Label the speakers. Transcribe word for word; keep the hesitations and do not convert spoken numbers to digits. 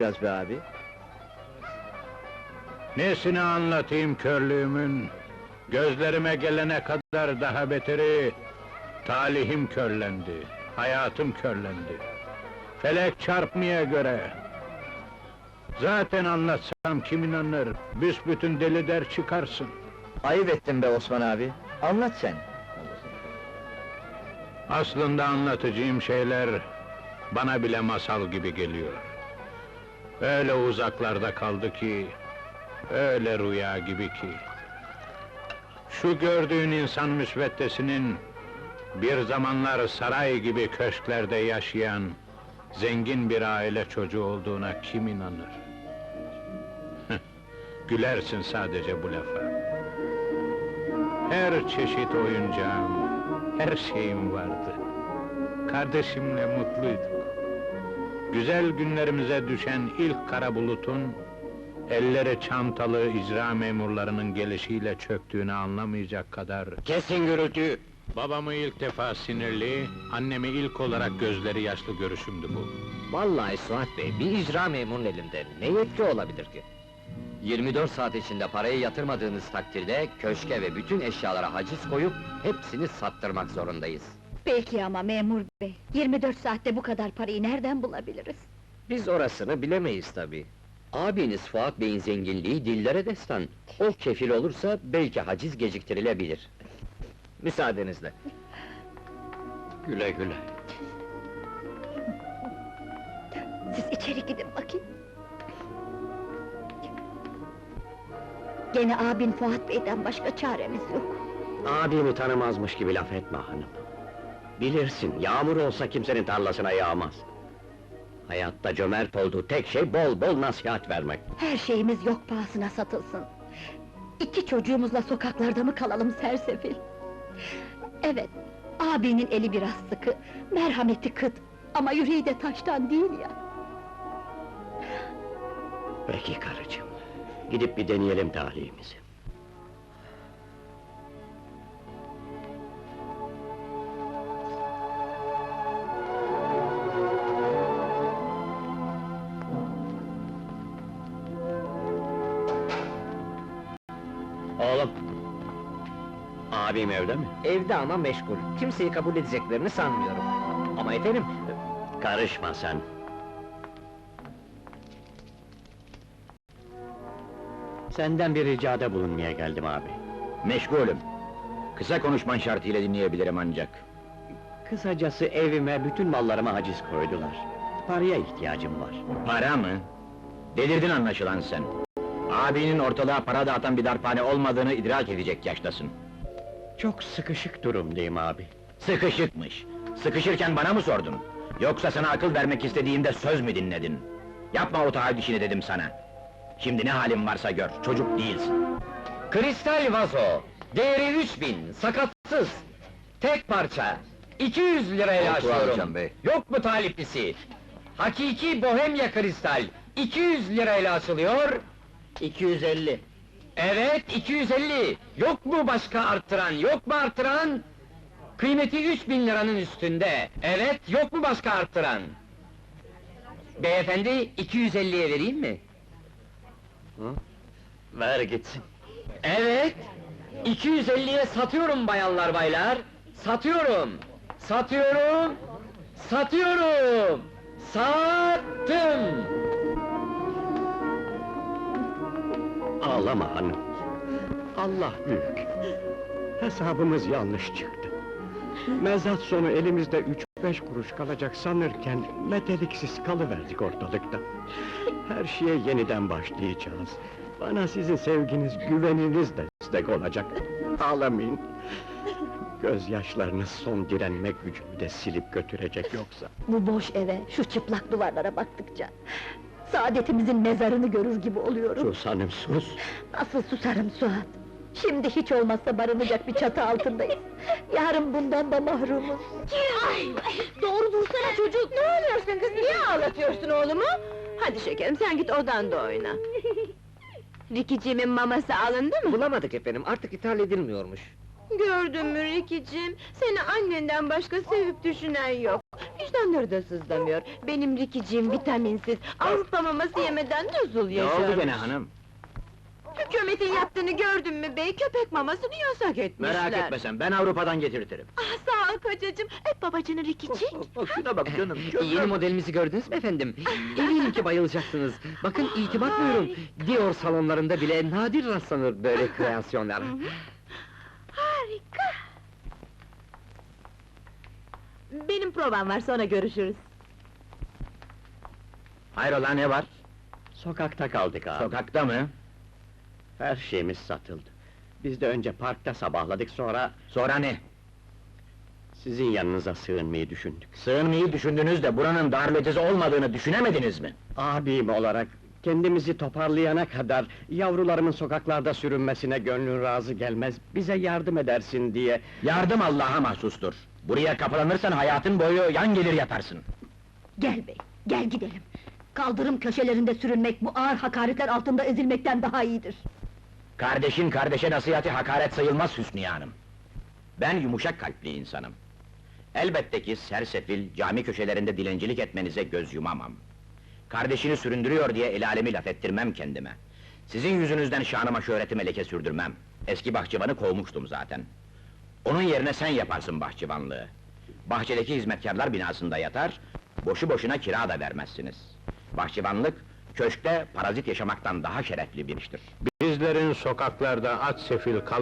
Speaker 1: biraz be abi.
Speaker 2: Nesini anlatayım körlüğümün? Gözlerime gelene kadar daha beteri... Talihim körlendi, hayatım körlendi. Felek çarpmaya göre... Zaten anlatsam kim inanır? Büsbütün deli der çıkarsın.
Speaker 1: Ayıp ettin be Osman abi. Anlat sen.
Speaker 2: Aslında anlatacağım şeyler... Bana bile masal gibi geliyor. Öyle uzaklarda kaldı ki... Öyle rüya gibi ki... Şu gördüğün insan müsveddesinin... Bir zamanlar saray gibi köşklerde yaşayan... Zengin bir aile çocuğu olduğuna kim inanır? Gülersin sadece bu lafa. Her çeşit oyuncağım, her şeyim vardı. Kardeşimle mutluyduk. Güzel günlerimize düşen ilk kara bulutun... Elleri çantalı icra memurlarının gelişiyle çöktüğünü anlamayacak kadar...
Speaker 1: Kesin gürültüyü!
Speaker 2: Babamı ilk defa sinirli, annemi ilk olarak gözleri yaşlı görüşümdü bu.
Speaker 3: Vallahi Suat Bey, bir icra memurun elinde ne yetki olabilir ki? yirmi dört saat içinde parayı yatırmadığınız takdirde, köşke ve bütün eşyalara haciz koyup, hepsini sattırmak zorundayız.
Speaker 4: Peki ama memur bey, yirmi dört saatte bu kadar parayı nereden bulabiliriz?
Speaker 3: Biz orasını bilemeyiz tabii. Abiniz Fuat Bey'in zenginliği dillere destan. O kefil olursa, belki haciz geciktirilebilir. Müsaadenizle.
Speaker 1: Güle güle.
Speaker 4: Siz içeri gidin bakayım. Gene abin Fuat Bey'den başka çaremiz yok.
Speaker 5: Abimi tanımazmış gibi laf etme hanım. Bilirsin, yağmur olsa kimsenin tarlasına yağmaz. Hayatta cömert olduğu tek şey bol bol nasihat vermek.
Speaker 4: Her şeyimiz yok pahasına satılsın. İki çocuğumuzla sokaklarda mı kalalım sersefil? Evet, abinin eli biraz sıkı, merhameti kıt, ama yüreği de taştan değil ya.
Speaker 5: Peki karıcığım, gidip bir deneyelim talihimizi. Oğlum! Abim evde mi?
Speaker 3: Evde ama meşgul, kimseyi kabul edeceklerini sanmıyorum. Ama efendim,
Speaker 5: Karışma sen! Senden bir ricada bulunmaya geldim abi.
Speaker 1: Meşgulüm. Kısa konuşman şartıyla dinleyebilirim ancak.
Speaker 5: Kısacası evime, bütün mallarıma haciz koydular. Paraya ihtiyacım var.
Speaker 1: Para mı? Delirdin anlaşılan sen. Abinin ortalığa para dağıtan bir darphane olmadığını idrak edecek yaştasın.
Speaker 5: Çok sıkışık durumdayım abi.
Speaker 1: Sıkışıkmış. Sıkışırken bana mı sordun? Yoksa sana akıl vermek istediğimde söz mü dinledin? Yapma o taahhüt işini dedim sana. Şimdi ne halin varsa gör, çocuk değilsin.
Speaker 3: kristal vazo, değeri üç bin, sakatsız, tek parça, iki yüz liraya
Speaker 1: Koltuğu alacağım
Speaker 3: açıyorum.
Speaker 1: bey.
Speaker 3: Yok mu taliplisi? Hakiki bohemya kristal, iki yüz lirayla açılıyor.
Speaker 1: iki yüz elli.
Speaker 3: Evet, iki yüz elli. Yok mu başka arttıran, yok mu arttıran? Kıymeti üç bin liranın üstünde. Evet, yok mu başka arttıran? Beyefendi, iki yüz elliye vereyim mi?
Speaker 5: Ver gitsin.
Speaker 3: Evet, iki yüz elliye satıyorum bayanlar baylar. Satıyorum, satıyorum, satıyorum, sattım.
Speaker 5: Ağlama hanım. Allah büyük. Hesabımız yanlış çıktı. Mezat sonu elimizde üç beş kuruş kalacak sanırken meteliksiz kalıverdik ortalıkta. Her şeye yeniden başlayacağız. Bana sizin sevginiz, güveniniz de destek olacak. Ağlamayın. Gözyaşlarınız son direnme gücümü de silip götürecek yoksa.
Speaker 4: Bu boş eve, şu çıplak duvarlara baktıkça... Saadetimizin mezarını görür gibi oluyorum.
Speaker 5: Sus hanım sus!
Speaker 4: Nasıl susarım Suat? Şimdi hiç olmazsa barınacak bir çatı altındayız. Yarın bundan da mahrumuz.
Speaker 6: Ay, doğru dursana çocuk! Ne oluyorsun kız, niye ağlatıyorsun oğlumu? Hadi şekerim, sen git odanda oyna. Rikiciğimin maması alındı mı?
Speaker 3: Bulamadık efendim, artık ithal edilmiyormuş.
Speaker 6: Gördün mü Rikiciğim? Seni annenden başka sevip düşünen yok. vicdanları da sızlamıyor. Benim Rikiciğim vitaminsiz, Avrupa maması yemeden nasıl
Speaker 1: Ne
Speaker 6: yaşar?
Speaker 1: oldu gene hanım?
Speaker 6: Hükümetin yaptığını gördün mü bey? Köpek mamasını yasak etmişler.
Speaker 1: Merak etme sen, ben Avrupa'dan getirtirim.
Speaker 6: Ah sağ ol kocacığım, öp babacını Rikici.
Speaker 1: Şuna bak canım,
Speaker 3: Yeni modelimizi gördünüz mü efendim? Eminim ki bayılacaksınız. Bakın itibat buyurun. Dior salonlarında bile nadir rastlanır böyle kreasyonlar.
Speaker 6: Harika! Benim provam var, sonra görüşürüz.
Speaker 1: Hayrola, ne var?
Speaker 5: Sokakta kaldık abi.
Speaker 1: Sokakta mı?
Speaker 5: Her şeyimiz satıldı. Biz de önce parkta sabahladık, sonra
Speaker 1: Sonra ne?
Speaker 5: sizin yanınıza sığınmayı düşündük.
Speaker 1: Sığınmayı düşündünüz de buranın darlıcısı olmadığını düşünemediniz mi?
Speaker 5: Abim olarak kendimizi toparlayana kadar yavrularımın sokaklarda sürünmesine gönlün razı gelmez. Bize yardım edersin diye.
Speaker 1: Yardım Allah'a mahsustur. Buraya kapılanırsan hayatın boyu yan gelir yatarsın.
Speaker 4: Gel bey, gel gidelim. Kaldırım köşelerinde sürünmek, bu ağır hakaretler altında ezilmekten daha iyidir.
Speaker 1: Kardeşin kardeşe nasihati hakaret sayılmaz Hüsniye Hanım. Ben yumuşak kalpli insanım. Elbette ki sersefil, cami köşelerinde dilencilik etmenize göz yumamam. Kardeşini süründürüyor diye el alemi laf ettirmem kendime. Sizin yüzünüzden şanıma şöhretime leke sürdürmem. Eski bahçıvanı kovmuştum zaten. Onun yerine sen yaparsın bahçıvanlığı. Bahçedeki hizmetkarlar binasında yatar, boşu boşuna kira da vermezsiniz. Bahçıvanlık, köşkte parazit yaşamaktan daha şerefli bir iştir.
Speaker 2: Bizlerin sokaklarda aç sefil kal